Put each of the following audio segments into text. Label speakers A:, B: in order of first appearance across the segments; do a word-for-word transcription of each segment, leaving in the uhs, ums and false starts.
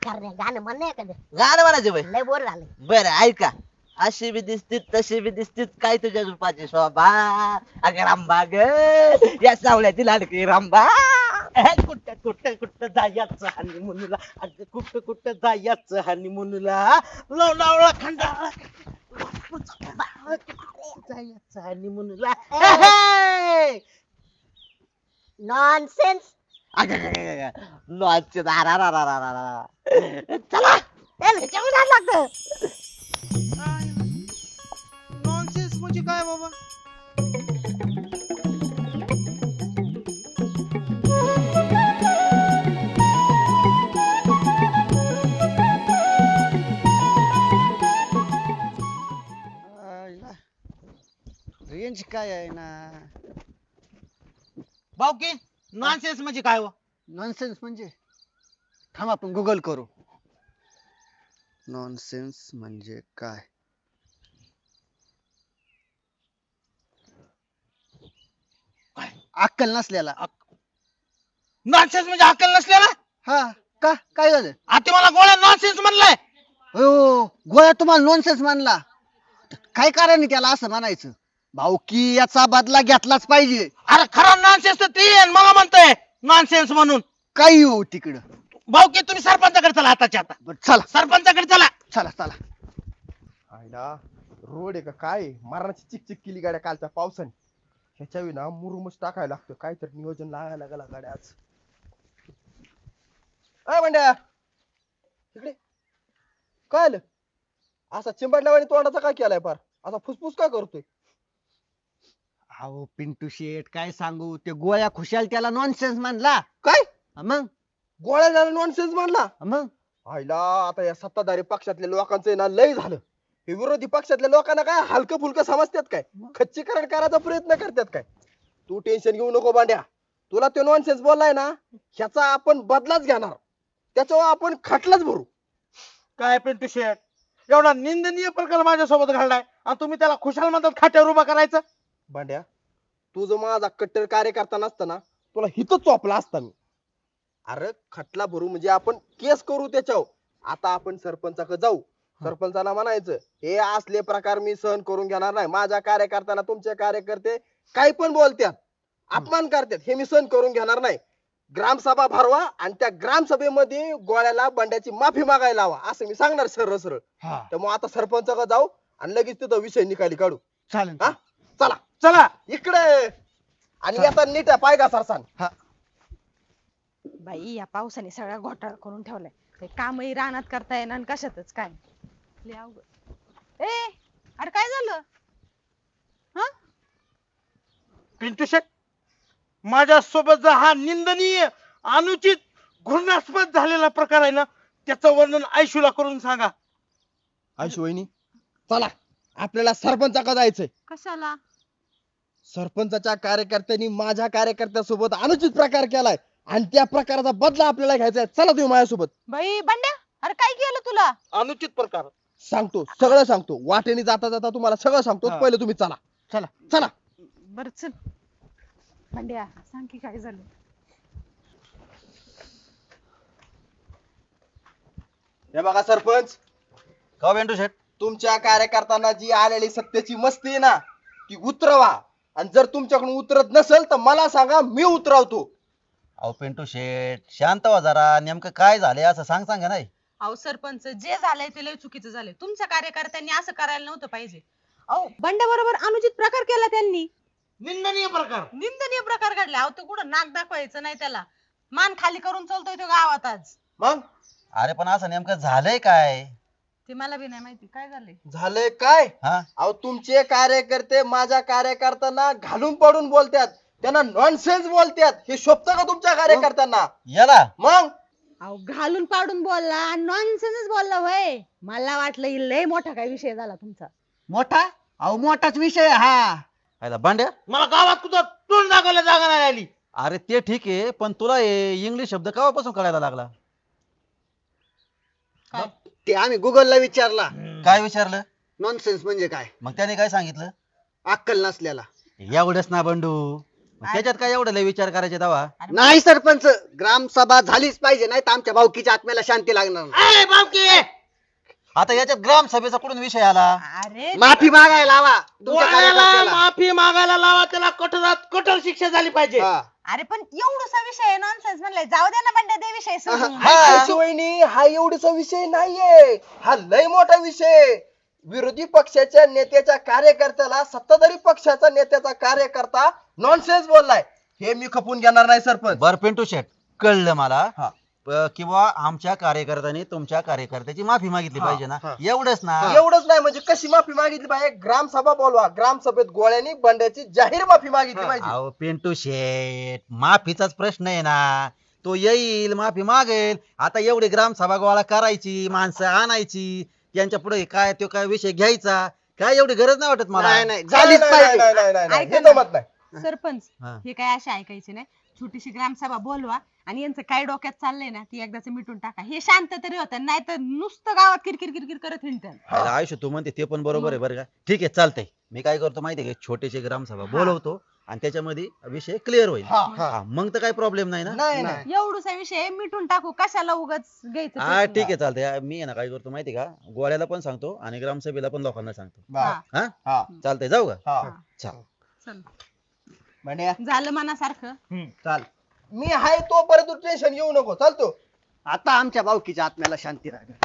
A: करण्या गाणं म्हण नाही एखादं.
B: गाणं म्हणायचं बाई.
A: लय बोर झालं.
B: बरं ऐका. अशी बी दिसतीत तशी बी दिसतीत काय तुझ्या रूपाची शोभा अगं रांबा ग या सावल्याची लाडकी रांबा
C: कुठं कुठं कुठं जायचं हनीमूनला अगं कुठं कुठं जायचं हनीमूनला लोणावळा खंडाळा जायचं हनीमूनला
A: नॉनसेन्स.
B: लॉजचे दारा रा रा रा रा रा.
A: चला त्याला ह्याच्यावर लागतं.
C: नॉनसेन्स म्हणजे काय बाबा
D: रेंज काय आहे ना.
C: भाऊकी नॉनसेन्स म्हणजे काय हो
D: नॉनसेन्स म्हणजे थांब आपण गुगल करू. नॉनसेन्स म्हणजे काय. अक्कल नसलेला.
C: नॉनसेन्स म्हणजे अक्कल नसलेला
D: हा का काय झालं.
C: आता मला गोळ्या नॉनसेन्स म्हणलाय
D: हो गोळ्या तुम्हाला नॉनसेन्स मानला. काय कारण आहे त्याला असं म्हणायचं. भाऊकी याचा बदला घेतलाच पाहिजे.
C: अरे खरा नॉनसेन्स तर ते आहे, मला म्हणतोय नॉनसेन्स म्हणून.
D: काही हो तिकडं.
C: भाऊकी तुम्ही सरपंचाकडे चला आताच्या आता.
D: बरं, चला
C: सरपंचाकडे चला.
D: चला चला.
E: आयला रोड आहे का काय मरणाची चिकचिक केली गाड्या कालच्या पावसाने. ह्याच्या विना मुरुमच टाकायला लागतं काहीतरी नियोजन लागायला लागला गाड्या आज. अय म्हणड्या इकडे काय आलं असा चिंबडल्यावानी तोंडाचा काय केलाय पार असा फुसफुस काय करतोय.
D: अहो पिंटू शेठ काय सांगू ते गोळ्या खुशाल त्याला नॉनसेन्स मानला.
E: काय
D: मग
E: गोळ्या झाला नॉनसेन्स मानला.
D: मग
E: आयला आता या सत्ताधारी पक्षातल्या लोकांचं ना लय झालं. हे विरोधी पक्षातल्या लोकांना काय हलकं फुलकं समजतात काय खच्चीकरण करायचा प्रयत्न करतात काय. तू टेन्शन घेऊ नको बांड्या. तुला तो नॉनसेन्स बोललाय ना ह्याचा आपण बदलाच घेणार. त्याच्यावर आपण खटलाच भरू.
C: काय पिंटू शेठ एवढा निंदनीय प्रकार माझ्यासोबत घडलाय आणि तुम्ही त्याला खुशाल म्हणतात खाट्यावर उभा करायचं.
E: बांड्या तू जर माझा कट्टर कार्यकर्ता नसताना तुला हिथच चोपला असता मी. अरे खटला भरू म्हणजे आपण केस करू त्याच्यावर. आता आपण सरपंचाकडे जाऊ. सरपंचाला म्हणायचं हे असले प्रकार मी सहन करून घेणार नाही. माझ्या कार्यकर्त्याला तुमचे कार्यकर्ते काही पण बोलतात अपमान करतात हे मी सहन करून घेणार नाही. ग्रामसभा भरवा आणि त्या ग्रामसभेमध्ये गोळ्याला बंड्याची माफी मागायला लावा असं मी सांगणार सरळ सरळ. त्यामुळे आता सरपंचाकडे जाऊ आणि लगेच तिथं विषय निकाली काढू.
D: चालेल.
E: हा चला
C: चला
E: इकडे आणि आता नीट पाय घा सरसान.
F: बाई या पावसाने सगळा घोटाळा करून ठेवलाय. काही कामही रानात करता येणार आणि कशातच काय लय अवघड. ए अरे काय झालं. हा
C: पिंटू शेठ माझ्या सोबत जर हा निंदनीय अनुचित घृणास्पद झालेला प्रकार आहे ना त्याचं वर्णन आयशूला करून सांगा.
E: आयशू वहिनी चला आपल्याला सरपंचाकडे जायचंय.
F: कशाला.
E: सरपंचाच्या कार्यकर्त्यांनी माझ्या कार्यकर्त्यासोबत अनुचित प्रकार केलाय आणि त्या प्रकाराचा बदला आपल्याला घ्यायचा आहे. चला तुम्ही माझ्यासोबत.
F: बाई बंड्या अरे काय केलं तुला.
C: अनुचित प्रकार
E: सांगतो सगळं सांगतो वाटेने जाता जाता तुम्हाला सगळं सांगतो.
C: हा.
E: पहिले तुम्ही चला
D: चला
E: चला.
F: बर चल बंड्या सांग की काय झालं.
E: हे बघा सरपंच
B: का पिंटू शेठ.
E: तुमच्या कार्यकर्त्यांना जी आलेली सत्तेची मस्ती आहे ना ती उतरवा. आणि जर तुमच्याकडून उतरत नसेल तर मला सांगा मी उतरवतो.
B: अहो पिंटू शेठ शांत व्हा जरा. नेमकं काय झालंय असं सांग सांगा नाही.
F: अहो सरपंच जे झालंय ते लय चुकीचं झालंय. तुमच्या कार्यकर्त्यांनी असं करायला नव्हतं पाहिजे. अहो बंड्या बरोबर अनुचित प्रकार केला त्यांनी.
C: निंदनीय प्रकार
F: निंदनीय प्रकार घडला. अहो तो कुठं नाक दाखवायचं नाही त्याला. मान खाली करून चालतोय तो गावात आज.
E: मग
B: अरे पण असं नेमकं झालंय काय.
F: ते मला बी नाही माहिती काय झालंय.
E: झालंय काय.
B: हा
E: अहो तुमचे कार्यकर्ते माझ्या कार्यकर्त्यांना घालून पडून बोलतात. त्यांना नॉनसेन्स बोलतात. हे शोभतं का तुमच्या कार्यकर्त्यांना.
B: याला
E: मग
F: अहो घालून पाडून बोलला नॉनसेन्स बोलला होय. मला वाटलं ही लय मोठा काय विषय झाला तुमचा.
D: मोठा. अहो मोठाच विषय आहे हा.
B: आयला भांड्या.
C: मला गावात कुठं तोंड दाखवायला जागा नाही आली.
B: अरे ते ठीक आहे पण तुला इंग्लिश शब्द केव्हापासून कळायला लागला.
F: काय
D: ते आम्ही गुगलला विचारला.
B: काय विचारलं.
D: नॉनसेन्स म्हणजे काय.
B: मग त्याने काय सांगितलं.
D: अक्कल नसलेला.
B: एवढंच ना बंडू.
G: त्याच्यात काय एवढं लय विचार करायचे दवा
D: नाही सरपंच, ग्रामसभा झालीच पाहिजे, नाही तर आमच्या भाऊकीच्या आत्म्याला शांती लागणार नाही.
G: आता याच्यात ग्रामसभेचा कुठून विषय आला?
F: अरे
D: माफी मागायला लावा तुमच्या
C: गोळ्याला
D: कार्यकर्त्याला.
C: माफी मागायला लावा, त्याला कठोरात कठोर शिक्षा झाली पाहिजे.
D: हा.
F: अरे पण एवढासा विषय नॉनसेन्स म्हणलाय, जाऊ दे ना बंड्या ते विषय सोडून.
E: आईशिवायनी हा एवढीचा विषय नाहीये, हा लय मोठा विषय. विरोधी पक्षाच्या नेत्याच्या कार्यकर्त्याला सत्ताधारी पक्षाचा नेत्याचा कार्यकर्ता नॉनसेन्स बोललाय, हे मी खपून घेणार नाही सरपंच.
G: बर पिंटू शेट, कळलं मला
E: हा.
G: प- किंवा आमच्या कार्यकर्त्यांनी तुमच्या कार्यकर्त्याची माफी मागितली
E: हा,
G: पाहिजे ना,
E: हा.
G: एवढंच ना.
E: एवढंच नाही म्हणजे कशी माफी मागितली पाहिजे, ग्रामसभा बोलवा, ग्रामसभेत गोळ्यानी बंड्याची जाहीर माफी मागितली पाहिजे.
G: अहो पिंटू शेट, माफीचाच प्रश्न आहे ना. तो येईल, माफी मागेल. आता एवढी ग्रामसभा गोळा करायची, माणसं आणायची, त्यांच्या पुढे काय तो काय विषय घ्यायचा, काय एवढी गरज नाही वाटत मला.
D: नाही नाही
E: नाही,
D: झालीच
E: नाही,
D: पाहिजे.
E: नाही, नाही, नाही, नाही,
F: ऐका
E: हे
F: ना.
E: जमत नाही.
F: सरपंच
G: हा.
F: हे काय असे ऐकायचे नाही, छोटीशी ग्रामसभा बोलवा आणि यांचं काय डोक्यात चाललंय ना ती एकदाच मिटून टाका, हे शांत तरी होतं, नाही तर नुसतं गावात किरकिर किरकिर करत हिंडतात.
G: अरे आयुष्य, तू म्हणते ते पण बरोबर आहे बरं का. ठीक आहे, चालतंय. मी काय करतो माहितीये का, छोटीशी ग्रामसभा बोलवतो आणि त्याच्यामध्ये विषय क्लिअर होईल.
E: हा, हा.
G: हा, मग तर काही प्रॉब्लेम नाही ना.
E: नाही नाही
F: एवढूसा विषय मिटून टाकू, कशाला उगाच घ्यायचं
G: हा
F: पेटून?
G: ठीक आहे, चालतंय. मी आहे ना काय करतो माहितीये का, गोळ्याला पण सांगतो आणि ग्रामसभेला पण लोकांना सांगतो.
E: बर.
F: हा,
G: हा
E: हा,
G: चालतंय, जाऊ का?
E: हा.
G: चल.
F: चल.
E: म्हणे
F: झालं मनासारखं.
E: चाल, मी हाय तोपर्यंत टेन्शन घेऊ नको, चालतो.
D: आता आमच्या भाऊकीच्या आत्म्याला शांती राहा.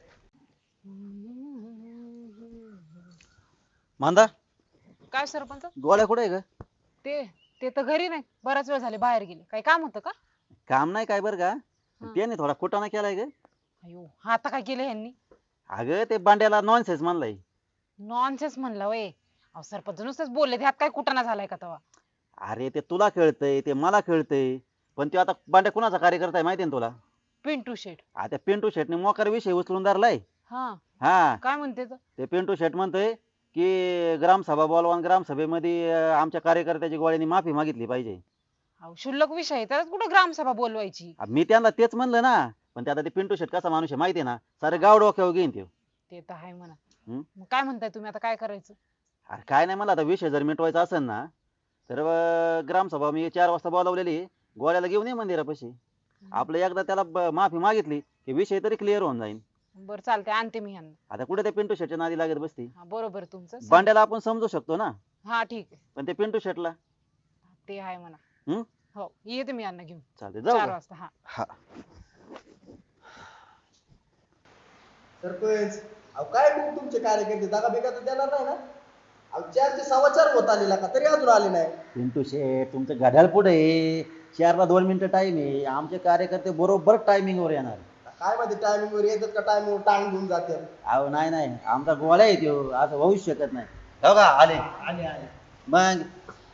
G: मांदा,
H: काय सरपंच?
G: गोळ्या कुठे आहे का?
H: ते ते तर घरी नाही, बराच वेळ झाले बाहेर गेले. काही काम होतं का?
G: काम नाही काय बरं का,
H: हा.
G: त्याने थोडा कुटाणा केलाय ग.
H: अयो, हा आता काय केलं ह्यांनी?
G: अगं ते बांड्याला नॉनसेन्स म्हणलाय.
H: नॉनसेन्स म्हणला वय. अहो सरपंच नुसतेच बोलले, ह्यात काय कुटाणा झालाय का तेव्हा?
G: अरे ते तुला कळतंय, ते मला कळतंय, पण ते आता बांड्या कुणाचा कार्यकर्ता आहे माहितीये ना तुला?
H: पिंटू शेट.
G: आता पिंटू शेटने मोकार विषय उचलून धरलाय.
H: हा,
G: हा,
H: काय म्हणते तर?
G: ते पिंटू शेट म्हणतोय की ग्रामसभा बोलवा आणि ग्रामसभेमध्ये अं, आमच्या कार्यकर्त्याची गोळ्यानी माफी मागितली पाहिजे.
H: अहो शुल्लक विषय आहे, त्यालाच कुठं ग्रामसभा बोलवायची?
G: आ, मी त्यांना तेच म्हणलं ना, पण ते आता ते पिंटू शेट कसा माणूस आहे माहितीये ना, सारे गाव डोक्यावर घेईन ते.
H: ते तर आहे म्हणा.
G: हम्म?
H: मग काय म्हणताय तुम्ही, आता काय करायचं?
G: अरे काय नाही, मला आता विषय जर मिटवायचा असेल ना, तर अं, ग्रामसभा मी चार वाजता बोलावलेली, गोळ्याला घेऊन ये मंदिरापाशी. आपलं एकदा त्याला ब- माफी मागितली की विषय तरी क्लिअर होऊन जाईल.
H: बरं चालतंय, आणते मी ह्यांना.
G: आता कुठे ते पिंटू शेटच्या नादी लागत बसती.
H: हा बरोबर तुमचं.
G: बांड्याला आपण समजू शकतो ना,
H: हा ठीक आहे,
G: पण ते पिंटू शेटला
H: ते आहे म्हणा.
G: हम्म?
H: हो येते मी यांना घेऊन
G: चालते, जाऊ
H: चार
G: का?
H: वाजता. हा
G: हा.
E: सरपंच, अहो काय मग तुमचे कार्यकर्ते दगा बिगा तर देणार नाही ना? अहो चारचे सव्वा चार होत आलेला का तरी अजून आले नाही.
G: पिंटू शेट, तुमचं घड्याळ पुढे आहे. चारला दोन मिनिटं टाइम आहे. आमचे कार्यकर्ते बरोबर टायमिंग वर येणार.
E: काय माहिती टायमिंग वर येतात का टाइम वर टांग घेऊन जाते.
G: अहो नाही नाही, आमचा गोळा आहे त्यो, असं होऊच शकत नाही. हो का, आले
E: आले आले.
G: मग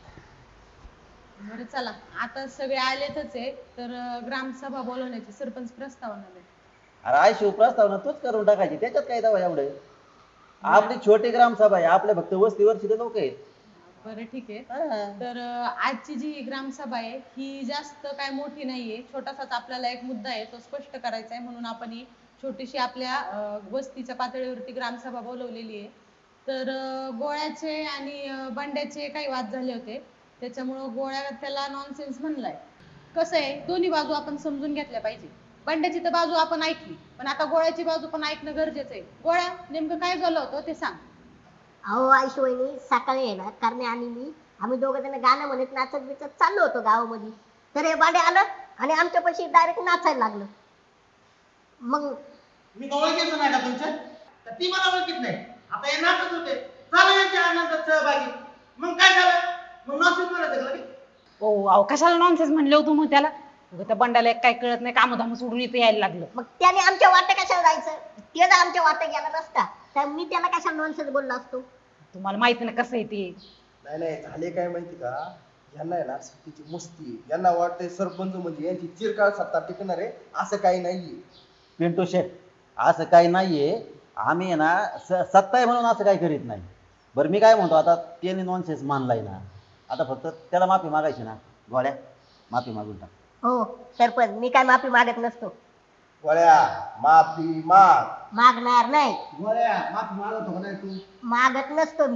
F: बरं चला, आता सगळे आलेतच आहे, तर अं, ग्रामसभा बोलवण्याची सरपंच प्रस्तावना दे.
G: अरे आय शिव प्रस्तावना तूच करून टाकायची, त्याच्यात काय दावा एवढे. आपली छोटी ग्रामसभा आहे, आपले फक्त वस्तीवरची लोक आहेत.
F: बरं ठीक आहे.
G: हा.
F: तर अं, आजची जी ग्रामसभा आहे ही जास्त काय मोठी नाहीये, छोटासाच आपल्याला एक मुद्दा आहे तो स्पष्ट करायचा आहे, म्हणून आपण ही छोटीशी आपल्या अं, वस्तीच्या पातळीवरती ग्रामसभा बोलवलेली आहे. तर अं, गोळ्याचे आणि अं, बंड्याचे काही वाद झाले होते, त्याच्यामुळं गोळ्या त्याला नॉनसेन्स म्हणलाय. कसं आहे, दोन्ही बाजू आपण समजून घेतल्या पाहिजे. बंड्याची तर बाजू आपण ऐकली, पण आता गोळ्याची बाजू पण ऐकणं गरजेचं आहे. गोळ्या, नेमकं काय झालं होतं ते सांग.
A: अहो आईशी वहिनी, सकाळी आहे ना करणे आणि मी आम्ही दोघं जण गाणं म्हणत नाचत बिचत चाललो होतो गावामध्ये, तर हे बाडे आलं आणि आमच्या पाशी डायरेक्ट नाचायला लागलं. मग
C: मी का ओळखीचं नाही का तुमच्या? तर ती मला ओळखीत नाही. आता हे नाटक होते, झालं यांच्या आनंदात सहभागी. मग काय झालं? मग नॉनसेन्स म्हणायचं का लगेच?
H: ओ अहो कशाला नॉनसेन्स म्हणले होतो मग त्याला? उगाच त्या बंडाला एक काय कळत नाही, कामधाम सोडून इथे यायला लागलं.
A: मग त्याने आमच्या वाट्या कशाला जायचं? ते जर आमच्या वाट्या गेला नसता तर मी त्याला कशाला नॉनसेन्स बोललो असतो?
H: तुम्हाला माहिती ना कसं आहे ते.
E: नाही नाही, झाले काय माहिती का, यांना आहे ना सत्तेची मस्ती आहे. यांना वाटतंय सरपंच म्हणजे यांची चिरकाळ सत्ता टिकणार आहे, असं काही नाहीये.
G: पिंटू शेट, असं काही नाहीये. आम्ही आहे ना स- सत्ता आहे म्हणून असं काही करीत नाही. बरं मी काय म्हणतो, आता त्याने नॉनसेन्स मानलाय ना, आता फक्त त्याला माफी मागायची ना. गोळ्या, माफी मागून टाक.
A: हो सरपंच, मी काय माफी मागत नसतो,
E: गोळ्या माफी माग.
A: मागणार नाही,
E: गोळ्या माफी मागत हो नाही तू?
A: मागत नसतो मी.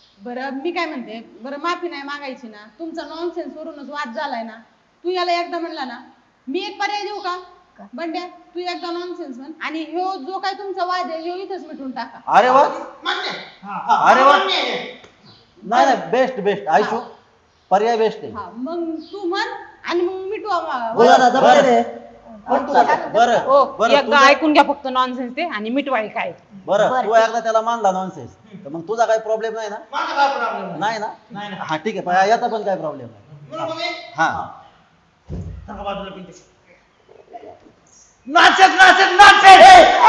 F: बरं मी काय म्हणते, बरं माफी नाही मागायची ना, तुमचा नॉनसेन्स वरूनच वाद झालाय ना. तू याला एकदा म्हणला ना, मी एक पर्याय देऊ का? बंड्या तू एकदा नॉनसेन्स म्हण आणि ह्यो जो काय तुमचा वाद आहे ह्यो इथंच मिटून टाका.
G: अरे वा
C: मान्य
G: अरे वा
C: मान्य आहे.
G: नाही नाही बेस्ट बेस्ट आयशू पर्याय बेस्ट आहे
F: हा मग तू म्हण आणि मग मिटू आम्हा-
B: बोला ना जमलं रे.
G: बरं
H: हो
G: बरं
H: एकदा
G: तुझं-
H: ऐकून घ्या फक्त नॉनसेन्स ते आणि मिटवाई काय.
G: बरं
A: बरं.
G: तू एकदा त्याला मानला नॉनसेन्स तर मग तुझा काही प्रॉब्लेम नाही ना.
C: माझा काय प्रॉब्लेम नाही.
G: नाही ना
C: नाही, नाही.
G: हा ठीक आहे पण याचा पण काही प्रॉब्लेम नाही.
C: बरोबर आहे?
G: हा
C: सांगा बाजूला पिंटू शेट. नाचत नाचत नाचत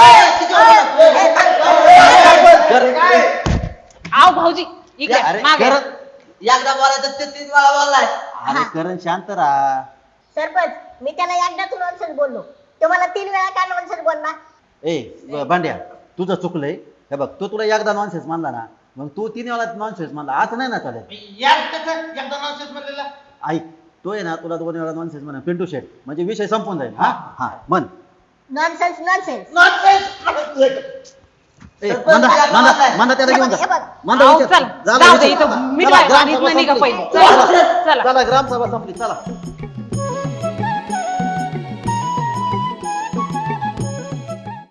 H: आव भाऊजी इकडे
G: अरे
H: मागे.
G: करण
B: एकदा बोलायचं ते तीन वेळा बोललाय.
G: अरे करण शांत राहा.
A: सरपंच मी त्याला एकदाच नॉनसेन्स बोललो, तो मला तीन वेळा काय नॉनसेन्स बोलला?
G: ए ब- भांड्या तुझं चुकलंय. हे बघ तो तुला एकदा नॉनसेन्स मानला ना मग तू तीन वेळा नॉनसेन्स मानला असं नाही ना चालेल.
C: यार त्याचं एकदा नॉनसेन्स म्हणलेला.
G: ऐक तो आहे ना तुला दोन वेळा नॉनसेन्स म्हणा पिंटू शेट म्हणजे विषय संपून जाईल. हा हा म्हण
A: नॉनसेन्स नॉनसेन्स.
C: नॉनसेन्स
G: ए, मंदा मंदा मंदा त्याला घेऊन जा.
A: हे बघ,
G: मंदा
H: आहो,
G: विचार.
H: चल
G: झालं
H: जाऊ दे
G: विषय.
H: इथं
G: चला,
H: मिटवाय
G: ग्रामसभा
H: इथनं निघा
G: संपली.
H: पहिले. चला चला
G: चला ग्रामसभा संपली चला.